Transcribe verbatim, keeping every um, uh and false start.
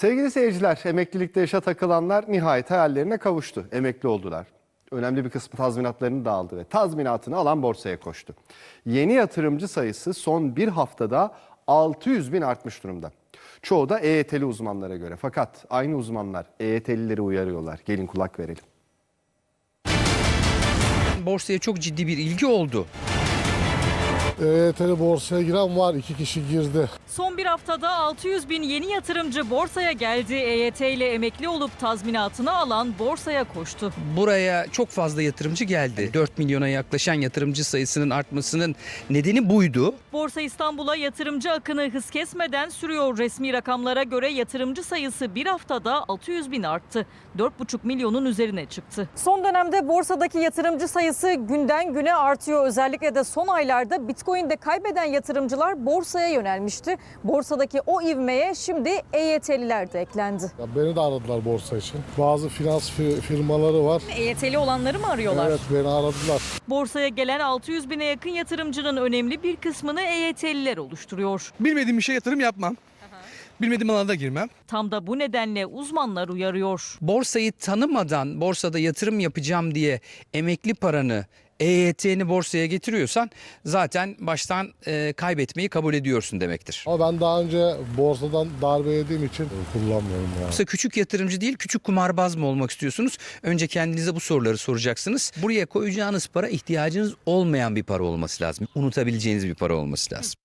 Sevgili seyirciler, emeklilikte yaşa takılanlar nihayet hayallerine kavuştu. Emekli oldular. Önemli bir kısmı tazminatlarını da aldı ve tazminatını alan borsaya koştu. Yeni yatırımcı sayısı son bir haftada altı yüz bin artmış durumda. Çoğu da E Y T'li uzmanlara göre. Fakat aynı uzmanlar E Y T'lileri uyarıyorlar. Gelin kulak verelim. Borsaya çok ciddi bir ilgi oldu. E Y T'li borsaya giren var, iki kişi girdi. Son bir haftada altı yüz bin yeni yatırımcı borsaya geldi. E Y T ile emekli olup tazminatını alan borsaya koştu. Buraya çok fazla yatırımcı geldi. dört milyona yaklaşan yatırımcı sayısının artmasının nedeni buydu. Borsa İstanbul'a yatırımcı akını hız kesmeden sürüyor. Resmi rakamlara göre yatırımcı sayısı bir haftada altı yüz bin arttı. dört buçuk milyonun üzerine çıktı. Son dönemde borsadaki yatırımcı sayısı günden güne artıyor. Özellikle de son aylarda Bitcoin'de kaybeden yatırımcılar borsaya yönelmişti. Borsadaki o ivmeye şimdi E Y T'liler de eklendi. Ya beni de aradılar borsa için. Bazı finans fi- firmaları var. E Y T'li olanları mı arıyorlar? Evet, beni aradılar. Borsaya gelen altı yüz bine yakın yatırımcının önemli bir kısmını E Y T'liler oluşturuyor. Bilmediğim bir şeye yatırım yapmam. Bilmediğim alana da girmem. Tam da bu nedenle uzmanlar uyarıyor. Borsayı tanımadan borsada yatırım yapacağım diye emekli paranı, E Y T'ni borsaya getiriyorsan zaten baştan e, kaybetmeyi kabul ediyorsun demektir. Ama ben daha önce borsadan darbe yediğim için kullanmıyorum ya. Yoksa küçük yatırımcı değil, küçük kumarbaz mı olmak istiyorsunuz? Önce kendinize bu soruları soracaksınız. Buraya koyacağınız para ihtiyacınız olmayan bir para olması lazım. Unutabileceğiniz bir para olması lazım.